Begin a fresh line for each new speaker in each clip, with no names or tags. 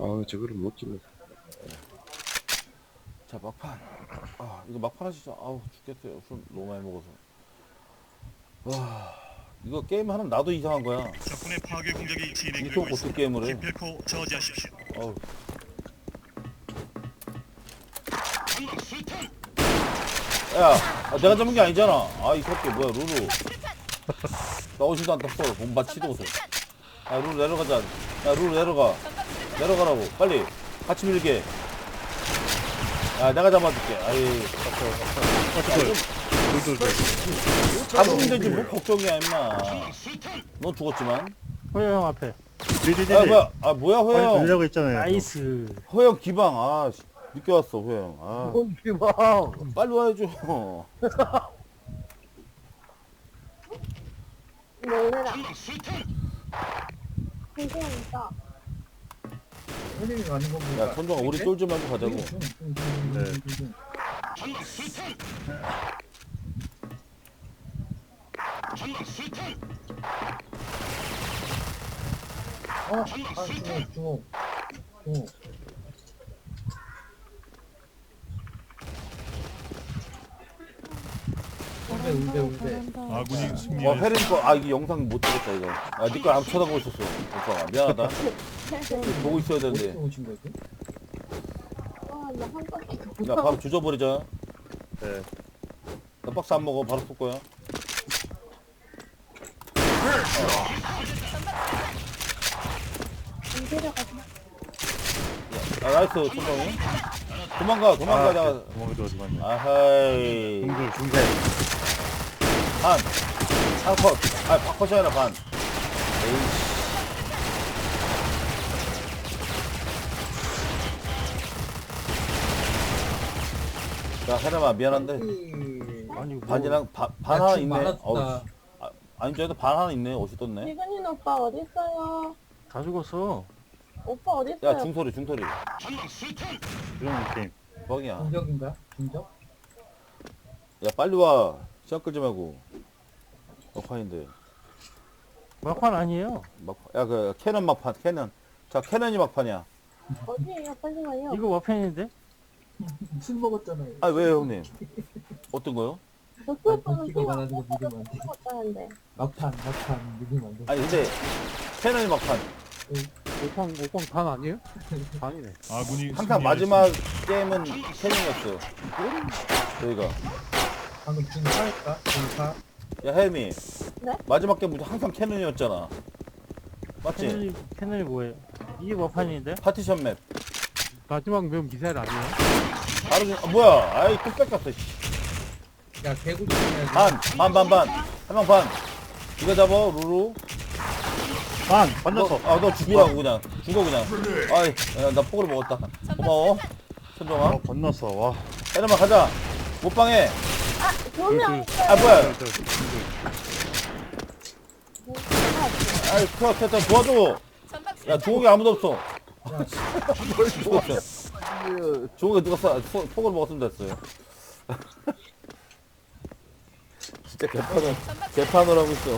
저거를 못 찍어.
자, 막판. 이거 막판 하시죠. 아우, 죽겠어요. 술 너무 많이 먹어서. 와, 이거 게임 하면 나도 이상한 거야.
적군의 파괴 공격이 진행되고
이쪽 어떻게
있습니다.
게임을 해?
기필코 저지하십시오.
어우. 야, 내가 잡은 게 아니잖아. 이 새끼 뭐야, 루루. 나오지도 않다, 썰. 몸 맞지도 못해. 루루 내려가자. 야, 루루 내려가. 내려가라고. 빨리. 같이 밀게. 야, 내가 잡아줄게. 잡으면 되지, 뭐 걱정이야, 임마. 넌 죽었지만.
호영 형 앞에.
뭐야, 호영.
빨리 돌려고 있잖아요.
나이스.
호영 기방. 늦게 왔어, 호영.
뭔 기방.
빨리 와야죠.
놀래라. 괜찮다.
형님이 가는 거 보니까.
야, 선정아, 우리 쫄지 말고 가자고.
주먹. 울베.
아군이 승리하였습니다.
페린 거, 이게 영상 못 찍었다, 이거. 니거 안 쳐다보고 있었어. 오빠가. 미안하다. 보고 있어야 되는데.
오신 거지?
나 한 바퀴
야, 바로 조져버리자.
네.
나 박스 안 먹어. 바로 쏠 거야.
안 데려가서.
나이스, 천정이. 도망가. 내가.
구멍이 들어지만.
아하이.
중세.
한 컷. 컷이 아니라 반. 에이씨. 야, 해람아, 미안한데.
아니 뭐.
반이랑, 반 하나 있네.
많았다.
아니, 저희도 반 하나 있네. 어디 떴네.
지근이 오빠 어딨어요?
다 죽었어.
오빠 어딨어요?
야, 중소리.
이런 게임.
뻥이야.
중적인가? 중적?
야, 빨리 와. 시간 끌지 말고. 막판인데.
막판 아니에요.
야, 캐논 막판, 캐논. 자, 캐논이 막판이야.
어디에요? 빨리 와요.
이거 막판인데?
술 먹었잖아요.
왜, 형님? 어떤 거요?
덕수 오빠는
아니,
피가
많아지고 믿으면 안 돼.
먹었다는데.
막판 믿으면 안 돼.
아니, 근데, 캐논이 막판.
오빵 반 아니에요? 반이네.
아군이
항상 마지막 게임은 캐논이었어요. 저희가.
방금 중파했다. 중파.
야, 혜미.
네?
마지막 게임 항상 캐논이었잖아. 맞지?
패널이 뭐예요? 이게 막판인데?
파티션 맵.
마지막 면 미사일 아니에요?
바로, 뭐야. 또 뺏겼어, 씨.
야 개구 조심해야지.
반. 한 명 반. 이거 잡아, 루루.
만났어.
너 죽으라고, 그냥. 죽어, 그냥. 야, 나 포그를 먹었다. 고마워. 손정아.
건넜어. 와.
혜람아, 가자. 못방해.
조명.
뭐야. 도와줘. 야, 종욱이 아무도 없어. 죽었어. 종욱이 누가 폭을 먹었으면 됐어요. 진짜 개판을 하고 있어.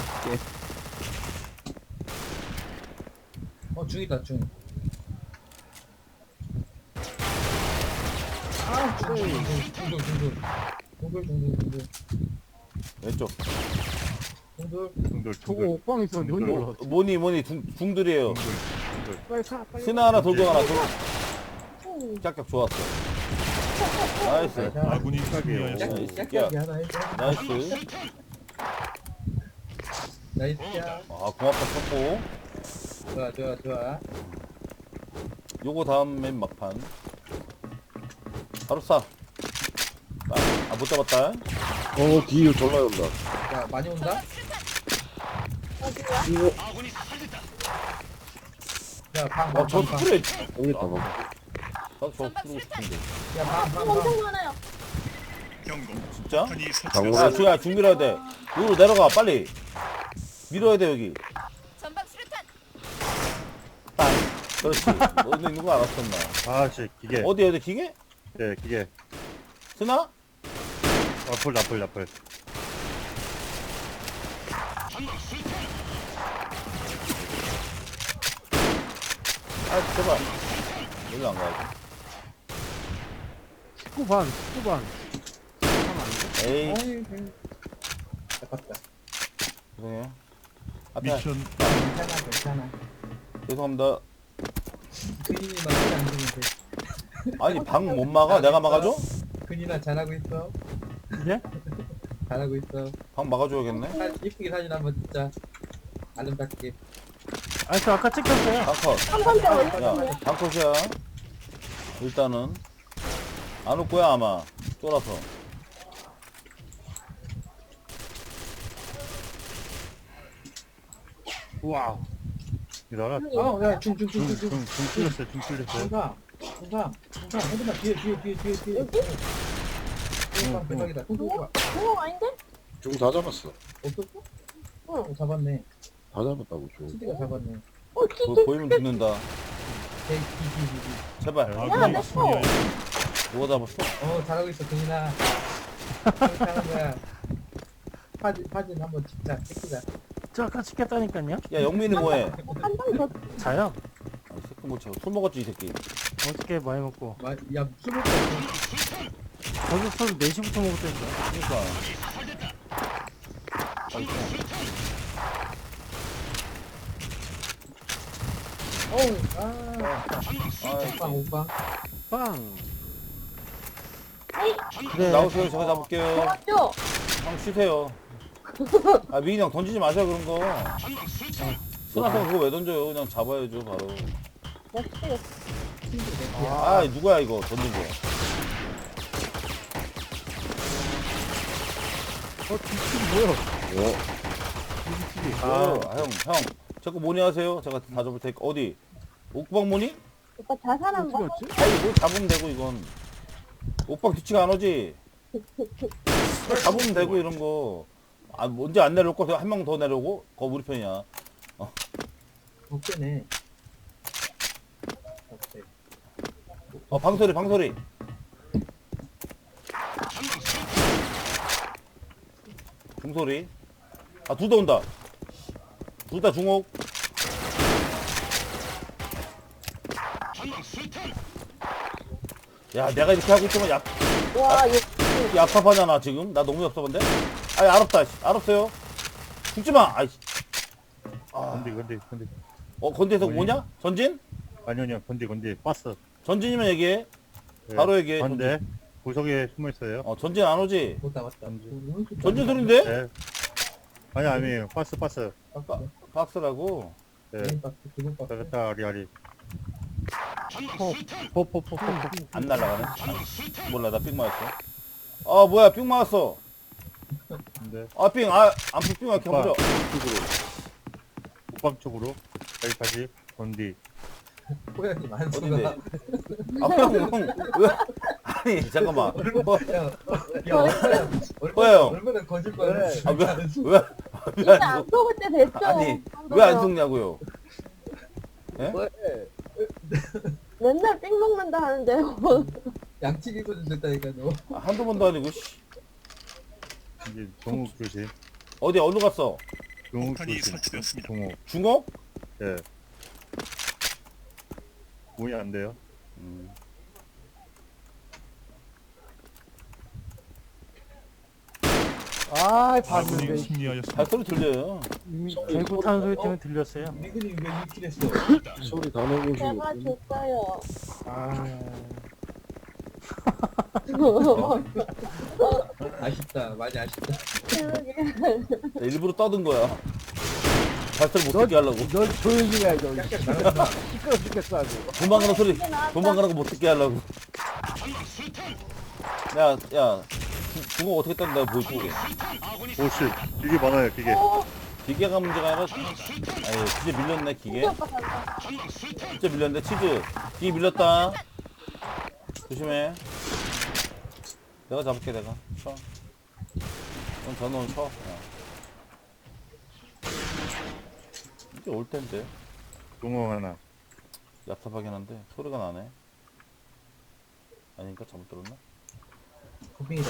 중이다 중. 중돌.
왼쪽.
중돌.
저거 오빵 있었는데 혼자 올라왔어.
뭐니, 중들이에요.
빨리 사, 빨리.
스나 하나, 돌격 하나, 짝짝 좋았어. 나이스.
아군이 승리하였습니다.
짝짝이 하나 해줘.
나이스.
나이스야.
고맙다, 쳤고.
좋아.
요거 다음 맨 막판. 바로 쏴. 못 잡았다.
뒤에 졸라 온다.
야 많이 온다.
어디야?
야
저 스프레이.
여기 다 먹어.
나도 저 쓰고 싶은데.
엄청 많아요.
경고.
진짜?
탄이
강호.
야,
설치됐습니다.
중 밀어야 돼. 위로 내려가, 빨리. 밀어야 돼, 여기. 땅. 그렇지. 너도 있는 거 알았었나.
씨 기계.
어디, 기계?
네 기계.
스나?
나풀.
제발. 일로 안 가야지.
19반 19반 하면 안 돼?
에이,
아이, 아깝다.
죄송해요. 앞에,
미션
괜찮아, 괜찮아.
죄송합니다.
근이만 안 주면 돼.
아니, 방 못 막아? 내가 막아줘?
근이나 잘하고 있어.
네?
잘하고 있어.
방 막아줘야겠네.
이쁘게 사진 한번 찍자. 아름답게.
아니 저 아까 찍혔어요.
방컷.
한 번째
야,
올렸어요.
방컷이야. 일단은. 안 올 거야, 아마. 쫄아서.
우와.
야, 중 뚫렸어요. 중 뚫렸어요. 중상. 헤드만 뒤에.
여기?
대박이다.
그거 아닌데?
중 다 잡았어.
없었어?
응.
잡았네.
다 잡았다고 중.
수디가 잡았네.
보이면 죽는다. 제발.
야, 내 거.
누가 잡았어?
잘하고 있어, 근이나. 잘하는 거야. 사진 한번 찍자.
저 아까 찍혔다니까요.
야, 영민이 뭐해?
한 번 더.
자요.
아, 이 새끼 뭐, 술 먹었지, 이 새끼.
어저께 많이 먹고.
야, 술 먹고
저도 술 4시부터 먹었다니까.
그러니까.
오빠.
빵.
에이,
그래.
나오세요, 제가 잡을게요.
좋았죠?
형 쉬세요. 아, 미인이 형 던지지 마세요, 그런 거. 쓰나서 그거 왜 던져요? 그냥 잡아야죠, 바로.
역시.
아, 누구야, 이거, 던진 거.
뭐야?
어?
아, 형. 자꾸 뭐니 하세요? 제가 다 잡을 테니까. 어디? 옥방 뭐니?
오빠 자살 한
어떻게
번.
왔지?
아니, 뭘 잡으면 되고, 이건. 옥방 뒤치가 안 오지? 잡으면 되고, 이런 거. 아, 언제 안 내려올 거? 한 명 더 내려오고? 그거 우리 편이야.
어깨네.
방소리. 중소리. 아, 둘 다 온다. 둘 다 중옥. 야, 내가 이렇게 하고 있으면
와, 이거.
얍삽하잖아, 지금. 나 너무 얍삽한데? 아이, 알았다. 알았어요. 죽지 마. 아이씨. 아,
건디.
건대에서 뭐냐? 전진?
아니요, 건디. 빠스.
전진이면 얘기해. 바로 얘기해.
안돼. 구석에 숨어 있어요.
전진 안 오지?
맞다.
전진 소린데?
네. 아니에요. 빠스.
박스라고.
네. 잘했다, 아리.
포포포포.
안 날아가네. 몰라, 나 삑 맞았어. 아, 뭐야, 삑 맞았어.
네.
아, 삑 이렇게
오빠.
한번
옥방 쪽으로. 여기 다시. 건디.
호연님
어딘데?
안수가
아, 형, 왜? 아니, 잠깐만.
야
형.
얼마나 거짓말을
아, 왜
진짜
안
안 속을 때 됐죠?
아니, 왜 안 속냐고요? 예?
맨날 삥 먹는다 하는데.
양치기 소리 됐다니까 너.
아, 한두 번도 아니고, 씨.
이제 종욱 조심.
어디, 어디로 갔어?
종욱
폭탄이
조심.
설치되었습니다.
종욱.
중옥?
예. 문이 안 돼요.
아,
아군이
봤는데.
승리하였습니다.
발소리 들려요.
이미 개구 타는 소리 때문에 들렸어요.
미근이 왜 이렇게 했어?
소리 다 내고
제가
있어.
줬어요.
아쉽다 많이 아쉽다.
나 일부러 떠든 거야. 발소리 못 듣게 하려고.
널 조용히 해야죠.
깍깍 나간다.
시끄러 죽겠어 아주.
도망가는 소리, 도망가는 거 못 듣게 하려고. 야, 중옥 어떻게 떴는다 보여줄게.
오씨. 이게 많아요, 이게.
기계가 문제가 아니라, 아유, 기계 밀렸네, 기계.
오빠 간다.
진짜 밀렸네, 치즈. 기계 밀렸다. 조심해. 내가 잡을게, 내가. 쳐. 넌 전원 쳐. 그냥. 이제 올 텐데.
종욱 하나.
얍삽하긴 한데, 소리가 나네. 아닌가? 잘못 들었나?
고민이다.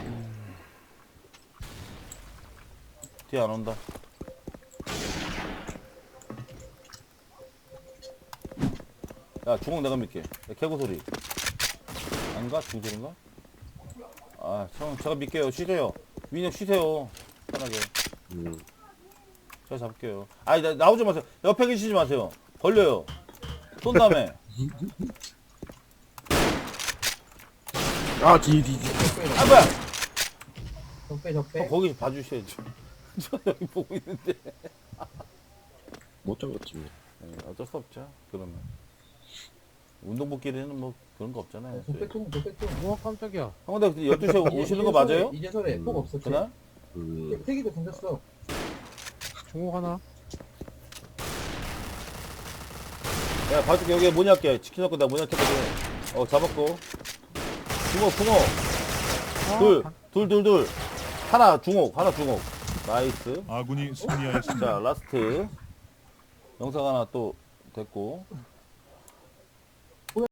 뒤에 안 온다. 야, 중옥 내가 밀게. 야, 개구 소리. 아닌가? 중소리인가? 아, 제가 밀게요. 쉬세요. 민혁 쉬세요. 편하게. 제가 잡을게요. 아니, 나오지 마세요. 옆에 계시지 마세요. 걸려요. 쏜 다음에.
아, 뒤.
아, 뭐야!
적배.
거기 봐주셔야죠. 저 여기 보고 있는데.
못 잡았지.
네, 어쩔 수 없죠. 그러면. 운동복끼리는 뭐 그런 거 없잖아요.
적배통.
우와 깜짝이야.
형, 근데 12시에 오시는 거 맞아요?
이제설에 폭 없었지.
그날?
태기도 던졌어.
중국 하나.
야, 봐줄게. 여기 뭐냐 할게. 치킨 넣고 내가 뭐냐 할게. 잡았고. 중옥. 둘. 하나 중옥. 나이스.
아군이 승리하였습니다.
자, 라스트. 영상 하나 또 됐고.